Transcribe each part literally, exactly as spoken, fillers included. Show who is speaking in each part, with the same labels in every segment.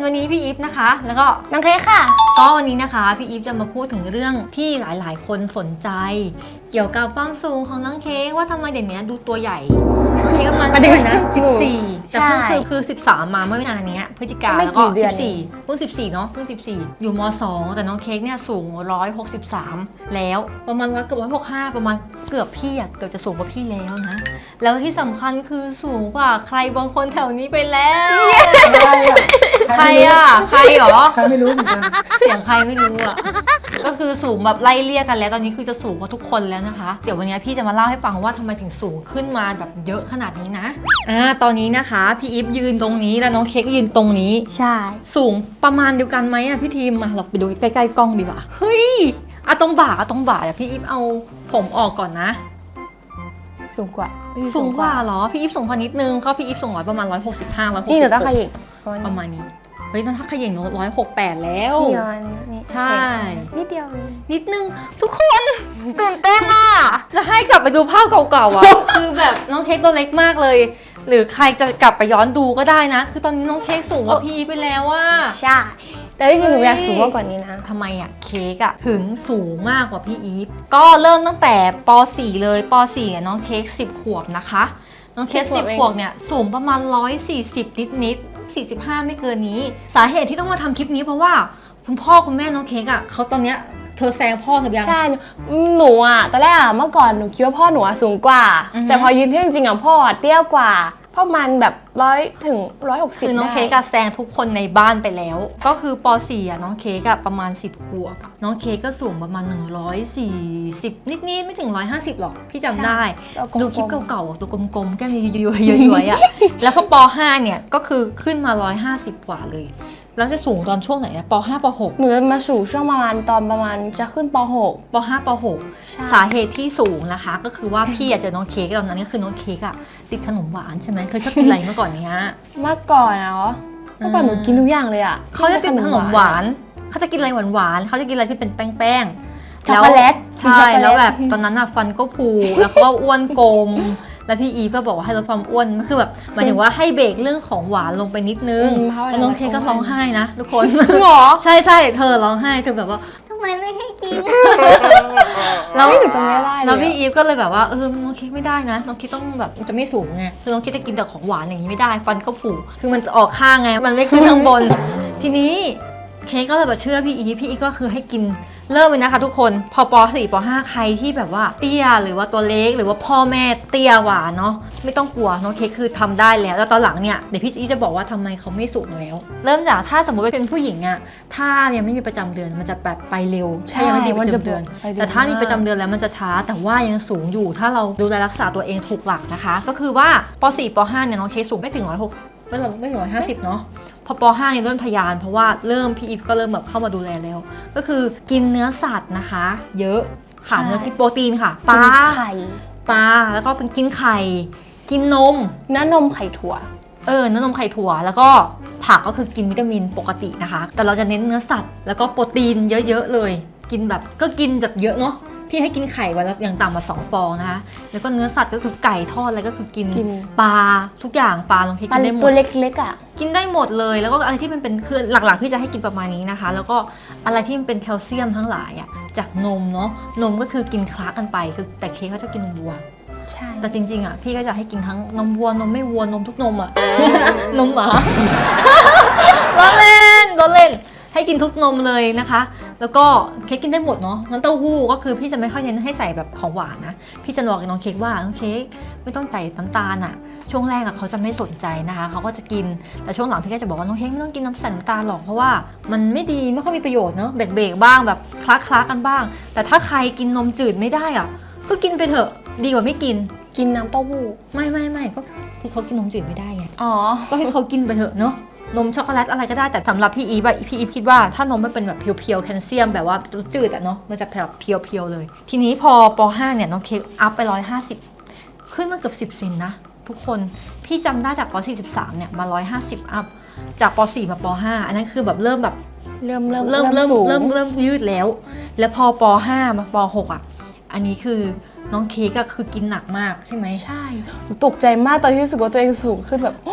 Speaker 1: วันนี้พี่อีฟนะคะแล้วก็
Speaker 2: น้องเค้กค่ะ
Speaker 1: ก็วันนี้นะคะพี่อีฟจะมาพูดถึงเรื่องที่หลายๆคนสนใจเกี่ยวกับความสูงของน้องเค้กว่าทำไมเดี๋ยวนี้ดูตัวใหญ่น้องเค้กประมาณเท่าไหร่นะสิบสี่แต่เพิ่งคือคือสิบสามมาเมื่อไม่นานนี้พฤศจิกาแล้วก็สิบสี่เพิ่งสิบสี่เนาะเพิ่งสิบสี่อยู่ม.สองแต่น้องเค้กเนี่ยสูงหนึ่งร้อยหกสิบสามแล้วประมาณร้อยเกือบร้อยหกสิบห้าประมาณเกือบพี่อะเกือบจะสูงกว่าพี่แล้วนะแล้วที่สำคัญคือสูงกว่าใครบางคนแถวนี้ไปแล้วใครอะใครหรอ
Speaker 3: ใครไม่รู้เหมือนกัน
Speaker 1: เสียงใครไม่รู้อะก็คือสูงแบบไล่เลี่ยกันแล้วตอนนี้คือจะสูงกว่าทุกคนแล้วนะคะเดี๋ยววันนี้พี่จะมาเล่าให้ฟังว่าทำไมถึงสูงขึ้นมาแบบเยอะขนาดนี้นะอ่าตอนนี้นะคะพี่อีฟยืนตรงนี้แล้วน้องเค้กยืนตรงนี้
Speaker 2: ใช่
Speaker 1: สูงประมาณเดียวกันไหมอะพี่ทีมมาเราไปดูใกล้ๆกล้องดีกว่าเฮ้ยอะตรงบ่าอะตรงบ่าอะพี่อีฟเอาผมออกก่อนนะ
Speaker 2: สูงกว่า
Speaker 1: สูงกว่าเหรอพี่อีฟสูงพอนิดนึงเขาพี่อีฟสูงร้อยประมาณร้อยหกสิบห้าร้อยหกสิบ
Speaker 2: นี่หนูต้องขยิบ
Speaker 1: ประมาณนี้เฮ้ยถ้าขยิบหนูร้อยหกแปดแล้ว
Speaker 2: นี่ประมาณนี้
Speaker 1: ใช่
Speaker 2: นิดเดียว
Speaker 1: นิดนึงทุกคนตื่นเต้นอ่ะแล้วให้กลับไปดูภาพเก่าๆอ่ะ คือแบบน้องเค้กตัวเล็กมากเลยหรือใครจะกลับไปย้อนดูก็ได้นะคือตอนนี้น้องเค้กสูงกว่าพี่ไปแล้วว่า
Speaker 2: ใช่แต่จริงๆหนูอยากสูงมากกว่านี้นะ
Speaker 1: ทำไมอ่ะเค้กอ่ะถึงสูงมากกว่าพี่อีฟก็เริ่มตั้งแต่ป.สี่ เลยป.สี่ น้องเค้กสิบขวบนะคะน้องเค้กสิบขวบเนี่ยสูงประมาณหนึ่งร้อยสี่สิบนิดๆสี่สิบห้าไม่เกินนี้สาเหตุที่ต้องมาทำคลิปนี้เพราะว่าคุณพ่อคุณแม่น้องเค้กอ่ะเขาตอนเนี้ยเธอแซงพ่อเธอยัง
Speaker 2: ใช่หนูอ่ะตอนแรกอ่ะเมื่อก่อนหนูคิดว่าพ่อหนูสูงกว่าแต่พอยืนเทียบจริงๆอ่ะพ่อเตี้ยกว่าพ่อมันแบบร้อยถึงร้อยหกสิบ
Speaker 1: คือน้องเค้กอะแซงทุกคนในบ้านไปแล้วก็คือป.สี่ อ่ะน้องเค้กอะประมาณสิบขวบน้องเค้กก็สูงประมาณหนึ่งร้อยสี่สิบนิดๆไม่ถึงหนึ่งร้อยห้าสิบหรอกพี่จำได้ดูคลิปเก่าๆตัวกลมๆแก้มย้อยๆอะแล้วพอป.ห้าเนี่ยก็คือขึ้นมาหนึ่งร้อยห้าสิบกว่าเลยแล้วจะสูงตอนช่วงไหนอะป.ห้า ป.หก
Speaker 2: หนูจะมาสูงช่วงประมาณตอนประมาณจะขึ้นป.หก
Speaker 1: ป.ห้า ป.หก สาเหตุที่สูงนะคะก็คือว่าพี่อยากเจอน้องเค้กตอนนั้นก็คือน้องเค้กอะติดขนมหวานใช่ไหมเธอชอบกินอะไรเมื่อก่อนเนี้ย
Speaker 2: เมื่อก่อนเนาะเมื่อก่อนหนูกินทุกอย่างเลยอะ
Speaker 1: เขาจะกินขนมหวานเขาจะกินอะไรหวานๆเขาจะกินอะไรที่เป็นแป้งๆ
Speaker 2: ช็อกโกแลต
Speaker 1: ใช่แล้วแบบตอนนั้นอะฟันก็พูแล้วเขาก็อ้วนกลมแล้วพี่อีฟก็บอกว่าให้ลดความอ้วนคือแบบหมายถึงว่าให้เบรกเรื่องของหวานลงไปนิดนึงแล้วน้องเค้กก็ร้องไห้นะทุกคน
Speaker 2: จริงเหรอ
Speaker 1: ใช่ใช่เธอร้องไห้เธอแบบว่าทำไมไม่ให้กิน
Speaker 2: แล้วหนูจำไม่ได้
Speaker 1: แล้วพี่อีฟก็เลยแบบว่าเออน้องเค้กไม่ได้นะน้องเค้กต้องแบบจะไม่สูงไงคือน้องเค้กจะกินแต่ของหวานอย่างนี้ไม่ได้ฟันก็ผุคือมันออกข้างไงมันไม่ขึ้นข้างบนทีนี้เค้กก็เลยแบบเชื่อพี่อีฟพี่อีฟก็คือให้กินเริ่มเลยนะคะทุกคนพอป.สี่ ป.ห้า ใครที่แบบว่าเตี้ยหรือว่าตัวเล็กหรือว่าพ่อแม่เตี้ยหวานเนาะไม่ต้องกลัวน้องเค้กคือทำได้แล้วแล้วตอนหลังเนี่ยเดี๋ยวพี่อีจะบอกว่าทำไมเขาไม่สูงแล้วเริ่มจากถ้าสมมติว่าเป็นผู้หญิงอะถ้ายังไม่มีประจำเดือนมันจะแบบไปเร็วใช่ยังไม่มีประจำเดือนแต่ถ้ามีประจำเดือนแล้วมันจะช้าแต่ว่ายังสูงอยู่ถ้าเราดูแลรักษาตัวเองถูกหลักนะคะก็คือว่าป.สี่ ป.ห้า เนี่ยน้องเค้กสูงไม่ถึงหนึ่งร้อยหกสิบไม่ถึงไม่ถึงหนึ่งร้อยห้าสิบเนาะพอป.ห้า เนี่ยเริ่มทะยานเพราะว่าเริ่มพี่อีฟก็เริ่มแบบเข้ามาดูแลแล้วก็คือกินเนื้อสัตว์นะคะเยอะค่ะเนื้อที่โปรตีนค่ะปลา
Speaker 2: ไข่
Speaker 1: ปลาแล้วก็เป็นกินไข่กินนม
Speaker 2: เนื้อนมไข่ถั่ว
Speaker 1: เออเนื้อนมไข่ถั่วแล้วก็ผักก็คือกินวิตามินปกตินะคะแต่เราจะเน้นเนื้อสัตว์แล้วก็โปรตีนเยอะๆเลยกินแบบก็กินแบบเยอะเนาะพี่ให้กินไข่วันละอย่างต่ำกว่าสองฟองนะคะแล้วก็เนื้อสัตว์ก็คือไก่ทอดอะไรก็คือกินปลาทุกอย่างปลาลองคิดกินได้หมด
Speaker 2: ตัวเล็กๆอ่ะ
Speaker 1: กินได้หมดเลยแล้วก็อะไรที่มันเป็นคือหลักๆพี่จะให้กินประมาณนี้นะคะแล้วก็อะไรที่มันเป็นแคลเซียมทั้งหลายอ่ะจากนมเนาะนมก็คือกินคละกันไปคือแต่เค้กเขาจะกินนมวัว
Speaker 2: ใช่
Speaker 1: แต่จริงๆอ่ะพี่ก็จะให้กินทั้งนมวัวนมไม่วัวนมทุกนมอ่ะ นมหมาล้อเล่นล้อเล่นให้กินทุกนมเลยนะคะแล้วก็เค้กกินได้หมดเนาะน้ำเต้าหู้ก็คือพี่จะไม่ค่อยเน้นให้ใส่แบบของหวานนะพี่จะบอกกับน้องเค้กว่าน้องเค้กไม่ต้องใส่น้ำตาลอ่ะช่วงแรกอ่ะเขาจะไม่สนใจนะคะเขาก็จะกินแต่ช่วงหลังพี่ก็จะบอกว่าน้องเค้กไม่ต้องกินน้ำใส่น้ำตาลหรอกเพราะว่ามันไม่ดีไม่ค่อยมีประโยชน์เนาะเบรกๆบ้างแบบคล้าๆกันบ้างแต่ถ้าใครกินนมจืดไม่ได้อ่ะก็กินไปเถอะดีกว่าไม่กิน
Speaker 2: กินน้ำเต้าหู้
Speaker 1: ไม่ไม่ไม่ก็คือเขากินนมจืดไม่ได้ไง
Speaker 2: อ๋อ
Speaker 1: ก็ให้เขากินไปเถอะเนาะนมช็อกโกแลตอะไรก็ได้แต่สำหรับพี่อีฟอะพี่อีฟคิดว่าถ้านมไม่เป็นแบบเพียวๆแคลเซียมแบบว่าจืดอะเนาะมันจะแบบเพียวๆเลยทีนี้พอป.ห้า เนี่ยน้องเค้กอัพไปหนึ่งร้อยห้าสิบขึ้นมาเกือบสิบเซนนะทุกคนพี่จำได้จากป.สี่สิบสามเนี่ยมาหนึ่งร้อยห้าสิบอัพจากป.สี่ มาป.ห้า อันนั้นคือแบบเริ่มแบบ
Speaker 2: เริ่มเริ่ม
Speaker 1: เริ่มเริ่มเริ่มเริ่มยืดแล้วแล้วพอป.ห้า มาป.หก อ่ะอันนี้คือน้องเค้กก็คือกินหนักมากใช่ไหม
Speaker 2: ใช่หนูตกใจมากตอนที่รู้สึกว่าตัวเองสูงขึ้นแบบ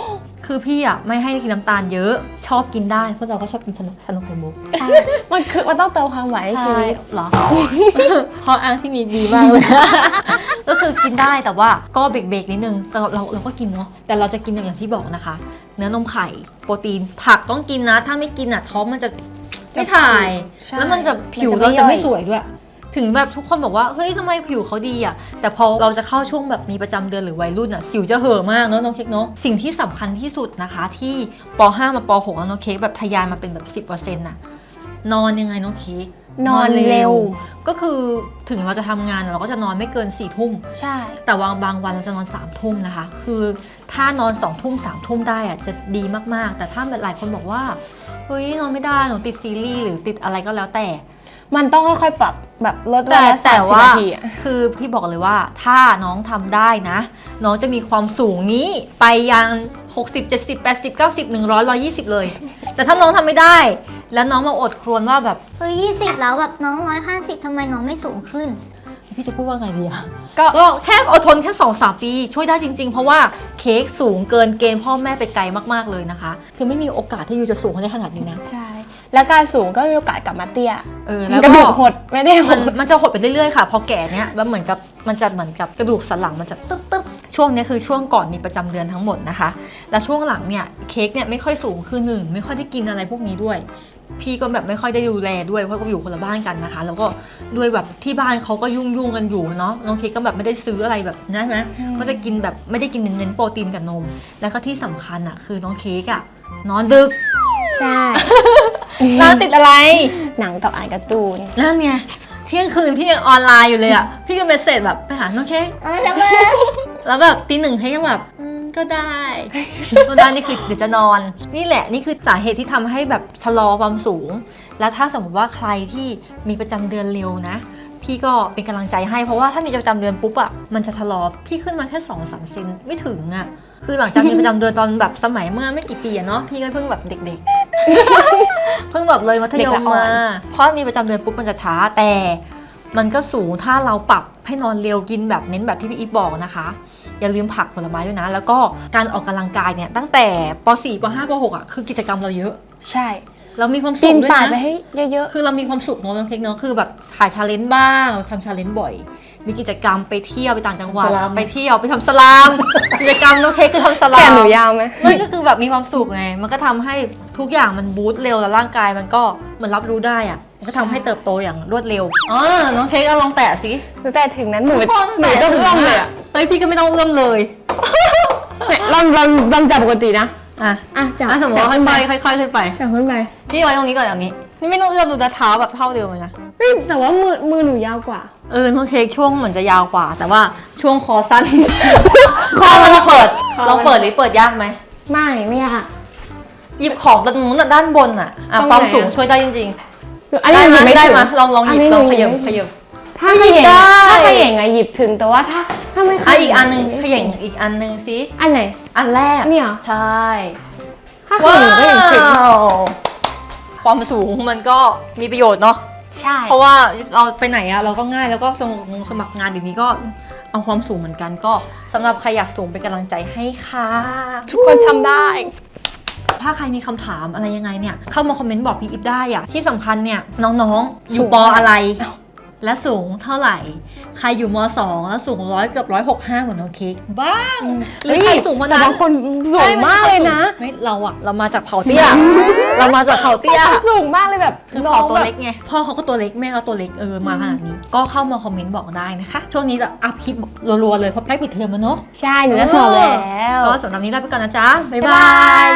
Speaker 1: คือพี่อ่ะไม่ให้กินน้ำตาลเยอะชอบกินได้เพราะเราก็ชอบกินสนุกสนุกไข่มุก
Speaker 2: ใช่มันคือมันต้องเติมความหวานให้ชีวิต
Speaker 1: เหรอ ข้ออ้างที่มีดีมากเลย ก็คือกินได้แต่ว่าก็เบรกๆนิดนึงแต่เราเราเราก็กินเนาะแต่เราจะกินอย่างที่บอกนะคะ เนื้อนมไข่โปรตีนผักต้องกินนะ ถ้าไม่กินอ่ะท้องมันจะไม่ถ่าย
Speaker 2: ใช่
Speaker 1: แล้วมันจะผิว
Speaker 2: มันจะไม่
Speaker 1: เราจะไม่
Speaker 2: ย่อย
Speaker 1: สวยด้วย ถึงแบบทุกคนบอกว่าเฮ้ยทำไมผิวเขาดีอ่ะแต่พอเราจะเข้าช่วงแบบมีประจำเดือนหรือวัยรุ่นอ่ะสิวจะเห่อะมากเนอะน้องเค้กเนอะสิ่งที่สำคัญที่สุดนะคะที่ป ห้า มาป หก แล้วน้องเค้กแบบทะยานมาเป็นแบบ สิบเปอร์เซ็นต์ น่ะนอนยังไงน้องเค้ก
Speaker 2: นอนเร็ว
Speaker 1: ก็คือถึงเราจะทำงานเราก็จะนอนไม่เกินสี่ทุ่ม
Speaker 2: ใช่
Speaker 1: แต่วางบางวันเราจะนอนสามทุ่มนะคะ คือถ้านอนสองทุ่มสามทุ่มได้อะจะดีมากๆ แต่ถ้าแบบหลายคนบอกว่าเฮ้ยนอนไม่ได้หนูติดซีรีส์หรือติดอะไรก็แล้วแต่
Speaker 2: มันต้องค่อยๆปรับแบบลดเว
Speaker 1: แต่
Speaker 2: ลาสา
Speaker 1: แต่
Speaker 2: มสิบ
Speaker 1: ว่า
Speaker 2: นาทีอะ
Speaker 1: คือพี่บอกเลยว่าถ้าน้องทำได้นะ น้องจะมีความสูงนี้ไปยังหกสิบ เจ็ดสิบ แปดสิบ เก้าสิบ หนึ่งร้อย หนึ่งร้อยยี่สิบเลย แต่ถ้าน้องทำไม่ได้ แล้วน้องมาอดครวญว่าแบบ
Speaker 3: เฮ้ยยี่สิบแล้วแบบน้องร้อยห้าสิบทำไมน้องไม่สูงขึ้น
Speaker 1: พี่จะพูดว่าไงดีอะ
Speaker 2: ก็
Speaker 1: ก็แค่อดทนแค่ สองสาม ปีช่วยได้จริงๆ เพราะว่าเค้กสูงเกินเกณฑ์พ่อแม่ไปไกลมากๆเลยนะคะ คือไม่มีโอกาสที่ยูจะสูงได้ขนาดนี้นะ
Speaker 2: ใช่ แล้วการสูงก็มีโอกาสกลับมาเตี้ย
Speaker 1: เออแล้ว
Speaker 2: กระ
Speaker 1: ก็
Speaker 2: ดูกหดไม่ได้ห
Speaker 1: มัน
Speaker 2: ด
Speaker 1: มันจะหดไปเรื่อยๆค่ะ พอแก่เนี้ยแล้วเหมือนกับมันจะเหมือนกับกระดูกสันหลังมันจะ
Speaker 3: ปึ๊บปึ๊บ
Speaker 1: ช่วงเนี้ยคือช่วงก่อนมีประจำเดือนทั้งหมดนะคะ แล้วช่วงหลังเนี่ยเค้กเนี่ยไม่ค่อยสูงคือหนึ่งไม่ค่อยได้กินอะไรพวกนี้ด้วย พี่ก็แบบไม่ค่อยได้ดูแลด้วยเพราะก็อยู่คนละบ้านกันนะคะ แล้วก็ด้วยแบบที่บ้านเขาก็ยุ่งยุ่งๆกันอยู่เนาะน้องเค้กก็แบบไม่ได้ซื้ออะไรแบบนั้นนะ
Speaker 2: อืม
Speaker 1: ก็จะกินแบบไม่ได้กินเน้นๆโปรตีนกับนม แล้วก็ที่สำคัญอะคือน้องเค้กอะนอนดึก
Speaker 2: ใช่
Speaker 1: นอนติดอะไร
Speaker 2: หนังกับอ่านการ์ตูน
Speaker 1: นั่นไงเที่ยงคืนพี่ยังออนไลน์อยู่เลยอะพี่ก็เมสเซจแบบไปหาน้องเค้ก
Speaker 3: เอาแล้วมึง
Speaker 1: แล้วแบบตีหนึ่งให้ยังแบบอืมก็ได้ ก็ได้นี่คือเดี๋ยวจะนอน นี่แหละนี่คือสาเหตุที่ทำให้แบบชะลอความสูง แล้วถ้าสมมติว่าใครที่มีประจำเดือนเร็วนะ พี่ก็เป็นกำลังใจให้เพราะว่าถ้ามีประจำเดือนปุ๊บอะมันจะชะลอพี่ขึ้นมาแค่สองสามเซนไม่ถึงอะคือหลังจากมีประจำเดือนตอนแบบสมัยเมื่อไม่กี่ปีอะเนาะพี่ก็เพิ่งแบบเด็กๆ เพิ่งแบบเลยมัธยมมาเพราะมีประจำเดือนปุ๊บมันจะช้าแต่มันก็สูงถ้าเราปรับให้นอนเร็วกินแบบเน้นแบบที่พี่อีฟบอกนะคะ อย่าลืมผักผลไม้ด้วยนะ แล้วก็การออกกำลังกายเนี่ยตั้งแต่ป สี่ ป ห้า ป หกอ่ะคือกิจกรรมเราเยอะ
Speaker 2: ใช่
Speaker 1: เรามีความสุ
Speaker 2: กิ
Speaker 1: ข
Speaker 2: น
Speaker 1: ด้วย
Speaker 2: ป่าดไป
Speaker 1: นะ
Speaker 2: ให้เยอะ
Speaker 1: คือเรามีความสุขเนาะน้องเค้กเนาะคือแบบถ่ายชาเลนจ์บ้างเราทำชาเลนจ์บ่อย มีกิจกรรมไปเที่ยวไปต่างจังหวัด
Speaker 2: สลาม
Speaker 1: ไปเที่ยวไปทำสลาม กิจกรรมน้องเค้กคือทำส
Speaker 2: ๆ
Speaker 1: ลา
Speaker 2: แขน
Speaker 1: ม
Speaker 2: หนูยาวไหม
Speaker 1: มันก็คือแบบมีความสุขไงมันก็ทำให้ทุกอย่างมันบูสต์เร็วแล้วร่างกายมันก็เหมือนรับรู้ได้อ่ะมันก็ทำให้เติบโตอย่างรวดเร็วอ๋อน้องเค้กเอาลองแตะสิ
Speaker 2: หนูแต่ถึงนั้นหนู
Speaker 1: พ่อ
Speaker 2: หนูต้องเอื้อมเลยอะ
Speaker 1: เฮ้ยพี่ก็ไม่ต้องเอื้อมเลย
Speaker 2: เนี่ยลองลองลองจับปกตินะ
Speaker 1: อ่ะ
Speaker 2: อ่ะจับ
Speaker 1: อ่ะสมมติว่า
Speaker 2: จับขึ้นไป
Speaker 1: ค่อยๆค่อยๆขึ้นไป
Speaker 2: จับขึ้นไป
Speaker 1: นี่ไว้ตรงนี้ก่อนอย่างนี้ นี่ไม่ต้องเอื้อมดูนะเท้าแบบเท่าเดิมเลยนะ
Speaker 2: เฮ้ยแต่ว่ามือมือหนูยาวกว่า
Speaker 1: เออน้องเค้กช่วงเหมือนจะยาวกว่า แต่ว่าช่วงคอสั้น คอเราเปิด
Speaker 2: คอ
Speaker 1: ลองเปิดหรือเปิดยากไหม
Speaker 2: ไม่ไม่ยาก
Speaker 1: หยิบของตรงนู้นน่ะด้านบนอ่ะอ่ะ
Speaker 2: ตรงไหน
Speaker 1: ความ
Speaker 2: อะ
Speaker 1: สูงช่วยได้จริง
Speaker 2: หนู
Speaker 1: ๆ
Speaker 2: อันนี้หนู
Speaker 1: ได้ไหม
Speaker 2: ไม่
Speaker 1: ได้
Speaker 2: ถึง
Speaker 1: ไหมลองลองหยิบ
Speaker 2: นนี้
Speaker 1: ลอง
Speaker 2: ห
Speaker 1: ข
Speaker 2: นู
Speaker 1: ยับ
Speaker 2: ไม่
Speaker 1: ข
Speaker 2: ถึง
Speaker 1: ยับ
Speaker 2: ถ้าขย่ง
Speaker 1: ได้
Speaker 2: ถ้าขย่งอะหยิบถึงแต่ว่าถ้าถ้าไม่ข
Speaker 1: อ่ะ
Speaker 2: ย่ง
Speaker 1: อีกอันนึงขย่งอีกอันนึงสิ
Speaker 2: อันไหน
Speaker 1: อันแรก
Speaker 2: เนี่ยเหรอ
Speaker 1: ใช่
Speaker 2: ถ้าขย่งก็ยังถึง
Speaker 1: ว้าวความสูงมันก็มีประโยชน์เนาะ
Speaker 2: ใช่
Speaker 1: เพราะว่าเราไปไหนอะเราก็ง่ายแล้วก็สมัครงสมัครงานเดี๋ยวนี้ก็เอาความสูงเหมือนกันก็สำหรับใครอยากสูงเป็นกำลังใจให้ค่ะ
Speaker 2: ทุกคนทำได้
Speaker 1: ถ้าใครมีคำถามอะไรยังไงเนี่ยเข้ามาคอมเมนต์บอกพี่อิฟได้อะที่สำคัญเนี่ยน้องๆ อ
Speaker 2: สู
Speaker 1: ยู่
Speaker 2: ง
Speaker 1: ปอ
Speaker 2: เท่าไหร่
Speaker 1: อะไร และสูงเท่าไหร่ ใครอยู่มสองแล้วสูงร้อยเกือบร้อยหกห้าเหมือนน้องเค้กบ้างหรือใครสูงกว่า
Speaker 2: แต่
Speaker 1: นั้น
Speaker 2: บางคนสูงมากเลยนะ
Speaker 1: ไม่เราอะเรามาจากเผ่าเตี้ย เรามาจากเผ่าเตี้ย
Speaker 2: บางคนสูงมากเลยแบบ
Speaker 1: คือ
Speaker 2: น้
Speaker 1: พ
Speaker 2: อ
Speaker 1: อง ตัว
Speaker 2: แบบ
Speaker 1: เล็กไงพ่อเขาก็ตัวเล็กแม่เขาตัวเล็กเออมาขนาดนี้ ก็เข้ามาคอมเมนต์บอกได้นะคะ ช่วงนี้จะอัพคลิปรัวๆเลยเพราะใกล้ปิดเทอมแล้วเนาะ
Speaker 2: ใช่หนูจะสอบแล้ว
Speaker 1: ก็สำหรับนี้ลาไปก่อนนะจ๊ะ บ๊าย
Speaker 2: บ๊าย
Speaker 1: บา
Speaker 2: บาย ย